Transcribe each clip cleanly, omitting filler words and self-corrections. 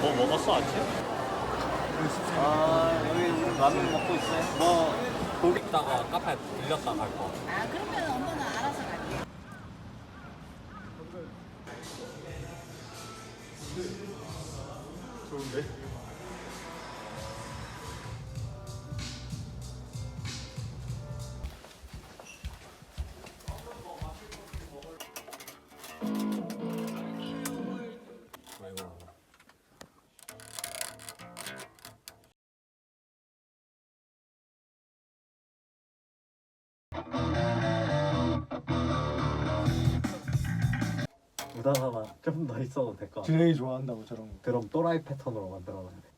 뭐 먹었어 아침? 여기 우리 라면 먹고 있어요. 뭐 거기 있다가 카페 들렸다 갈 거. 아 그러면 엄마는 알아서 갈게. 좋은데? 무단하나 좀 더 있어도 될 것 같아. 준영이 좋아한다고 저런 거. 그럼 또라이 패턴으로 만들어놔야 돼.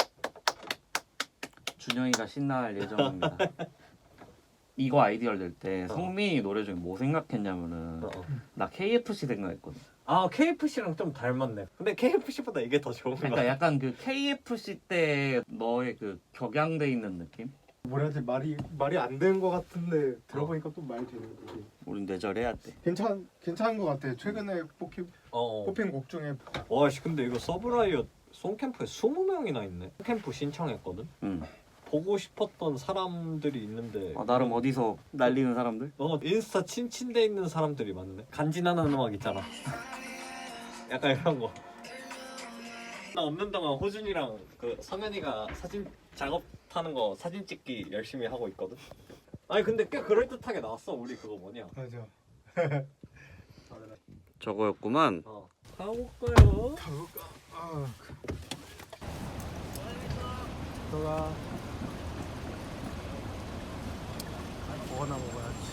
준영이가 신날 예정입니다. 이거 아이디어를 낼 때 성민이 노래 중에 뭐 생각했냐면은 나 KFC 생각했거든. 아 KFC랑 좀 닮았네. 근데 KFC보다 이게 더 좋은 거 그러니까 같아. 약간 그 KFC 때 너의 그 격양돼 있는 느낌? 뭐라 해야 지 말이 안 되는 거 같은데 들어보니까 또 말이 되는 거지. 우린 뇌절해야 돼. 괜찮은 거 같아. 최근에 뽑힌 곡 중에 와씨 근데 이거 서브라이어 송캠프에 20명이나 있네. 송캠프 신청했거든. 응. 보고 싶었던 사람들이 있는데 나름 어디서 날리는 사람들? 인스타 친친돼 있는 사람들이 많네. 간지나는 음악 있잖아. 약간 이런 거. 나 없는 동안 호준이랑 그 성현이가 사진 작업하는 거 사진 찍기 열심히 하고 있거든. 아니 근데 꽤 그럴듯하게 나왔어. 우리 그거 뭐냐? 맞아. 저거였구만. 가볼까요? 너가 먹어나 먹어야지.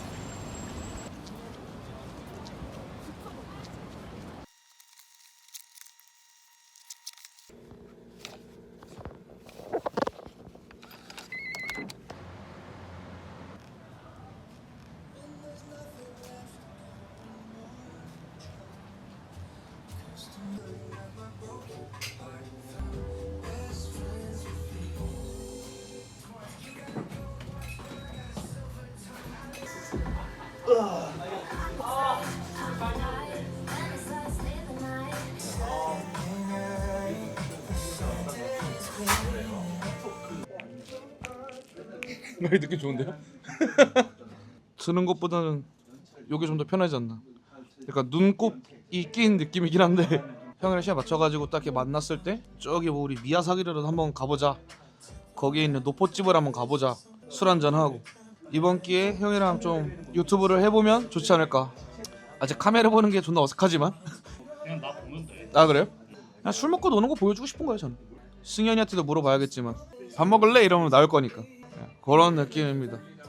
많이 느낌 좋은데요? 드는 것보다는 이게 좀 더 편하지 않나. 그러니까 눈곱이 낀 느낌이긴 한데 형이랑 시간 맞춰가지고 딱 이렇게 만났을 때 저기 뭐 우리 미야사기를 한번 가보자, 거기에 있는 노포집을 한번 가보자, 술 한잔 하고 이번 기회에 형이랑 좀 유튜브를 해보면 좋지 않을까. 아직 카메라 보는 게 존나 어색하지만 그냥 나 보면 돼. 아 그래요? 그냥 술 먹고 노는 거 보여주고 싶은 거예요 저는. 승현이한테도 물어봐야겠지만 밥 먹을래? 이러면 나올 거니까 그런 느낌입니다.